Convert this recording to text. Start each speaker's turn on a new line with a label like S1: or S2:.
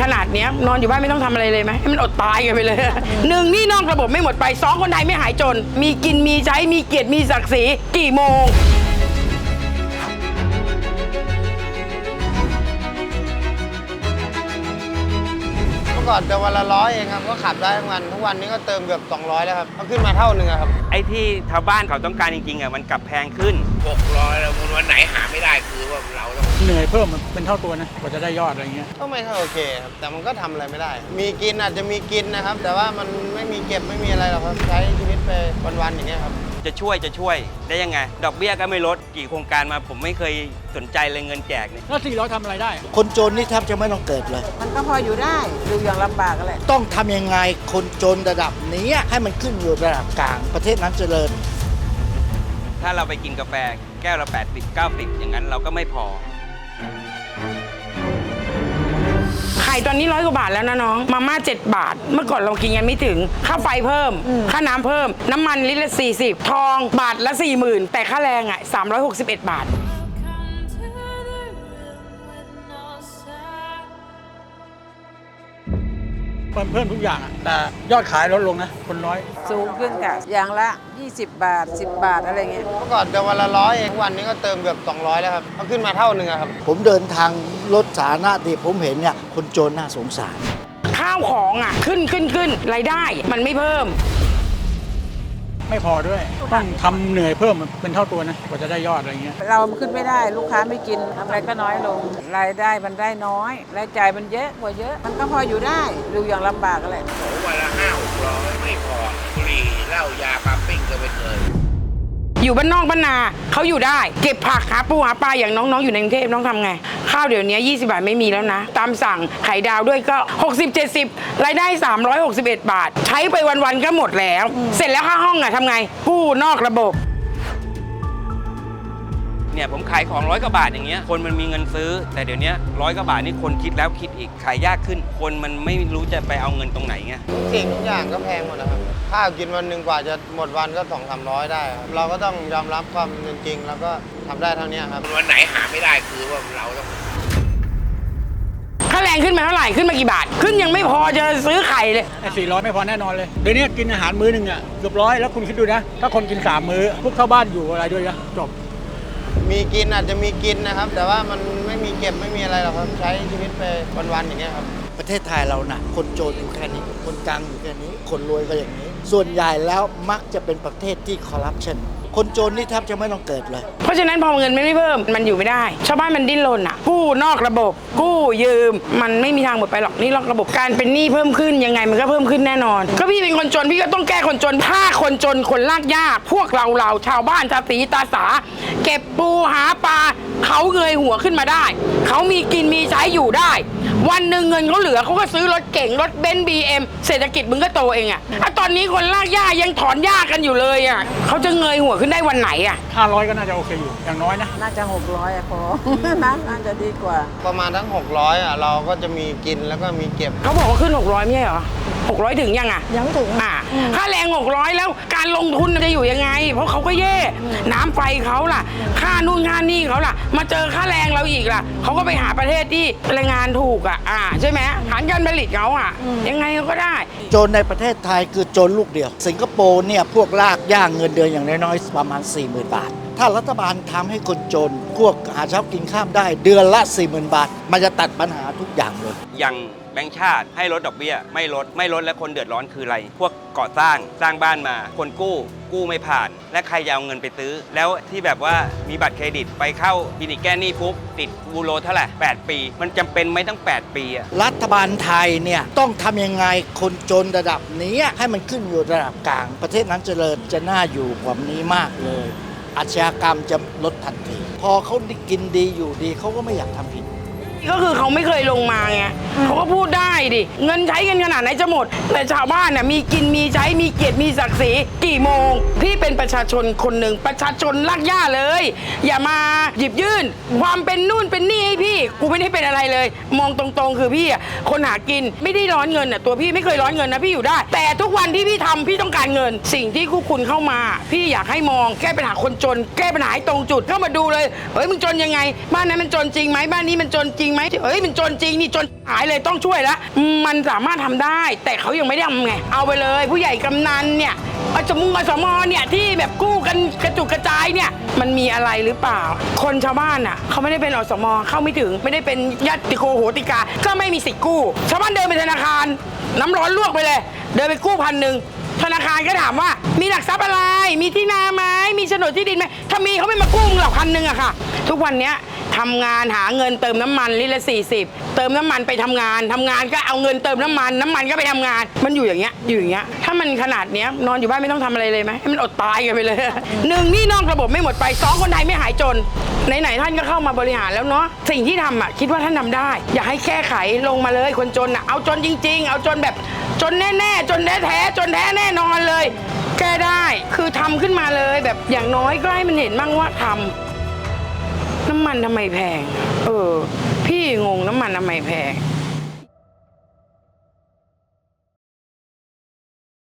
S1: ขนาดเนี้ยนอนอยู่บ้านไม่ต้องทำอะไรเลยไหมให้มันอดตายกันไปเลยหนึ่งนี่นอกระบบไม่หมดไปสองคนไทยไม่หายจนมีกินมีใช้มีเกียรติมีศักดิ์ศรีกี่โมง
S2: ก่อนจะวันละ100เองครับก็ขับได้ทั้งวันทุกวันนี้ก็เติมเกือบ200แล้วครับก็ขึ้นมาเท่านึงครับ
S3: ไอ้ที่ชาวบ้านเขาต้องการจริงๆมันกลับแพงขึ้น
S4: 600แล้ววันไหนหาไม่ได้คือว่าเราต้อง
S5: เหนื่อยเพิ่มมันเป็นเท่าตัวนะกว่าจะได้ยอดอะไรเงี้ย
S2: ก็ไม่เท่าโอเคครับแต่มันก็ทำอะไรไม่ได้มีกินอาจจะมีกินนะครับแต่ว่ามันไม่มีเก็บไม่มีอะไรหรอกครับใช้ชีวิตไปวันๆอย่างเงี้ยครับ
S3: จะช่วยได้ยังไงดอกเบี้ยก็ไม่ลดกี่โครงการมาผมไม่เคยสนใจเลยเงินแจกเนี่ย
S5: แล้ว400ทำอะไรได้
S6: คนจนนี่แทบจะไม่ต้องเกิดเลย
S7: มันก็พออยู่ได้ดูอย่างลำบากแหละ
S6: ต้องทำยังไงคนจนระดับนี้ให้มันขึ้นอยู่ระดับกลางประเทศนั้นเจริญ
S3: ถ้าเราไปกินกาแฟแก้วละ80 90อย่างนั้นเราก็ไม่พอ
S1: ไข่ตอนนี้100 กว่าบาทแล้วนะน้องมาม่า7 บาทเมื่อก่อนเรากินกันไม่ถึงค่าไฟเพิ่มค่าน้ำเพิ่มน้ำมันลิตรละ40ทองบาทละ40,000แต่ค่าแรง361 บาท
S5: เพิ่มทุกอย่างแต่ยอดขายลดลงนะคนน้อย
S7: สูงขึ้นค่ะอย่างละ20 บาท10 บาทอะไรเงี้ย
S2: เมื่อก่อนจะวันละ100เองทุกวันนี้ก็เติมเกือบ200แล้วครับก็ขึ้นมาเท่านึงครับ
S6: ผมเดินทางรถสาธารณะที่ผมเห็นเนี่ยคนจนน่าสงสาร
S1: ข้าวของขึ้นรายได้มันไม่เพิ่ม
S5: ไม่พอด้วยต้องทำเหนื่อยเพิ่มมันเป็นเท่าตัวนะกว่าจะได้ยอดอะไรเงี้ย
S7: เราขึ้นไม่ได้ลูกค้าไม่กินอะไรก็น้อยลงรายได้มันได้น้อยรายจ่ายมันเยอะกว่าเยอะมันก็พออยู่ได้ดูอย่างลำบากแหละ
S4: วันละ500-600ไม่พอบุหรี่เหล้ายาปั๊มปิ้งก็ไม่เคย
S1: อยู่บ้านนอกบ้านนาเขาอยู่ได้เก็บผักหาปูหาปลาอย่างน้องๆอยู่ในกรุงเทพน้องทำไงข้าวเดี๋ยวนี้20 บาทไม่มีแล้วนะตามสั่งไข่ดาวด้วยก็60-70รายได้361 บาทใช้ไปวันๆก็หมดแล้วเสร็จแล้วค่าห้องทำไงกู้นอกระบบ
S3: เนี่ยผมขายของ100 กว่าบาทอย่างเงี้ยคนมันมีเงินซื้อแต่เดี๋ยวนี้100 กว่าบาทนี่คนคิดแล้วคิดอีกขายยากขึ้นคนมันไม่รู้จะไปเอาเงินตรงไหนไง
S2: ทุกสิ่งทุกอย่างก็แพงหมดนะครับข้าวกินวันหนึ่งกว่าจะหมดวันก็200-300ได้ครับเราก็ต้องยอมรับความเป็นจริงแล้วก็ทำได้เท่านี้ครับ
S4: วันไหนหาไม่ได้คือว่าเราต้อง
S1: ค่าแรงขึ้นมาเท่าไหร่ขึ้นมากี่บาทขึ้นยังไม่พอจะซื้อไข่เลย
S5: 400ไม่พอแน่นอนเลยเดี๋ยวนี้กินอาหารมื้อนึงเกือบ100แล้วคุณคิดดูนะถ้าคนกิน3 มื้อพวกเข้าบ้านอยู่อะไรด้วยนะจบ
S2: มีกินอาจจะมีกินนะครับแต่ว่ามันไม่มีเก็บไม่มีอะไรหรอกครับใช้ชีวิตไปวันๆอย่างเงี้ยครับ
S6: ประเทศไทยเรานะคนจนอยู่แค่นี้คนกลางอยู่แค่นี้คนรวยก็อย่างนี้ส่วนใหญ่แล้วมักจะเป็นประเทศที่คอร์รัปชันคนจนนี่แทบจะไม่ต้องเกิดเลย
S1: เพราะฉะนั้นพอเงินไม่เพิ่มมันอยู่ไม่ได้ชาวบ้านมันดิ้นรนกู้นอกระบบกู้ยืมมันไม่มีทางหมดไปหรอกนี่นอกระบบการเป็นหนี้เพิ่มขึ้นยังไงมันก็เพิ่มขึ้นแน่นอนก็พี่เป็นคนจนพี่ก็ต้องแก้คนจนถ้าคนจนคนลากยากพวกเราชาวบ้านชาวตีตาสาเก็บปูหาปลาเขาเงยหัวขึ้นมาได้เขามีกินมีใช้อยู่ได้วันหนึ่งเงินเขาเหลือเขาก็ซื้อรถเก่งรถเบนซ์BMเศรษฐกิจมึงก็โตเองตอนนี้คนลากหญ้ายังถอนหญ้ากันอยู่เลยเขาจะเงยหัวขึ้นได้วันไหน
S5: 500ก็น่าจะโอเคอยู่อย่างน้อยนะ
S7: น่าจะ600พอน่าจะดีกว่า
S2: ประมาณทั้ง600เราก็จะมีกินแล้วก็มีเก็บ
S1: เขาบอกว่าขึ้น600ไม่ใช่เหรอ600ถึงยัง
S7: ยังไม่ถึง
S1: ค่าแรง600แล้วการลงทุนจะอยู่ยังไงเพราะเขาก็แย่น้ำไฟเขาล่ะค่านู่นค่านี่เขาล่ะมาเจอค่าแรงเราอีกล่ะเขาก็ไปหาประเทศที่แรงงานถูกใช่ไหมฐานการผลิตเขายังไงก็ได้
S6: จนในประเทศไทยคือจนลูกเดียวสิงคโปร์เนี่ยพวกลากย่างเงินเดือนอย่างน้อยๆประมาณ 40,000 บาทถ้ารัฐบาลทำให้คนจนพวกหาเช้ากินข้ามได้เดือนละ 40,000 บาทมันจะตัดปัญหาทุกอย่างเลย
S3: อย่างแบงก์ชาติให้ลดดอกเบี้ยไม่ลดและคนเดือดร้อนคืออะไรพวกก่อสร้างบ้านมาคนกู้ไม่ผ่านและใครจะเอาเงินไปซื้อแล้วที่แบบว่ามีบัตรเครดิตไปเข้าคลินิกแก้หนี้ปุ๊บติดบูโรเท่าไหร่8 ปีมันจำเป็นไหมตั้ง8 ปี
S6: รัฐบาลไทยเนี่ยต้องทำยังไงคนจนระดับนี้ให้มันขึ้นอยู่ระดับกลางประเทศนั้นเจริญจะน่าอยู่กว่านี้มากเลยอาชญากรรมจะลดทันทีพอเขากินดีอยู่ดีเขาก็ไม่อยากทำผิด
S1: ก็คือเขาไม่เคยลงมาไงเขาก็พูดได้ดิเงินใช้กันขนาดไหนจะหมดแต่ชาวบ้านมีกินมีใช้มีเกียรติมีศักดิ์ศรีกี่โมงพี่เป็นประชาชนคนหนึ่งประชาชนลากย่าเลยอย่ามาหยิบยื่นความเป็นนู่นเป็นนี่ให้พี่กูไม่ได้เป็นอะไรเลยมองตรงๆคือพี่คนหากินไม่ได้ร้อนเงินตัวพี่ไม่เคยร้อนเงินนะพี่อยู่ได้แต่ทุกวันที่พี่ทำพี่ต้องการเงินสิ่งที่คู่คุณเข้ามาพี่อยากให้มองแก้ปัญหาคนจนแก้ปัญหาให้ตรงจุดเข้ามาดูเลยเฮ้ยมึงจนยังไงบ้านนั้นมันจนจริงไหมบ้านนี้มันจนจริงไหมเอ้ยมันจนจริงนี่จนหายเลยต้องช่วยละมันสามารถทำได้ แต่เขายังไม่ได้ทำไงเอาไปเลยผู้ใหญ่กำนันเนี่ยอสมเนี่ยที่แบบกู้กันกระจุกกระจายเนี่ยมันมีอะไรหรือเปล่าคนชาวบ้านอ่ะเขาไม่ได้เป็นอสมเข้าไม่ถึงไม่ได้เป็นญาติโกโหติกาก็ไม่มีสิทธิ์กู้ชาวบ้านเดินไปธนาคารน้ำร้อนลวกไปเลยเดินไปกู้1,000ธนาคารก็ถามว่ามีหลักทรัพย์อะไรมีที่นาไหมมีโฉนดที่ดินไหมถ้ามีเขาไม่มากู้หรอก1,000อะค่ะทุกวันเนี้ยทำงานหาเงินเติมน้ำมันลิตรละ40เติมน้ำมันไปทำงานก็เอาเงินเติมน้ำมันก็ไปทำงานมันอยู่อย่างเงี้ยถ้ามันขนาดเนี้ยนอนอยู่บ้านไม่ต้องทำอะไรเลยไหมให้มันอดตายกันไปเลย 1นี่นอกระบบไม่หมดไป2คนไทยไม่หายจนไหนท่านก็เข้ามาบริหารแล้วเนาะสิ่งที่ทำคิดว่าท่านทำได้อยากให้แก้ไขลงมาเลยคนจนเอาจนจริงๆเอาจนแบบจนแน่ๆจนแท้จนแท้แน่นอนเลยแก้ได้คือทำขึ้นมาเลยแบบอย่างน้อยก็ให้มันเห็นบ้างว่าทำน้ำมันทำไมแพงพี่งงน้ำมันทำไมแพง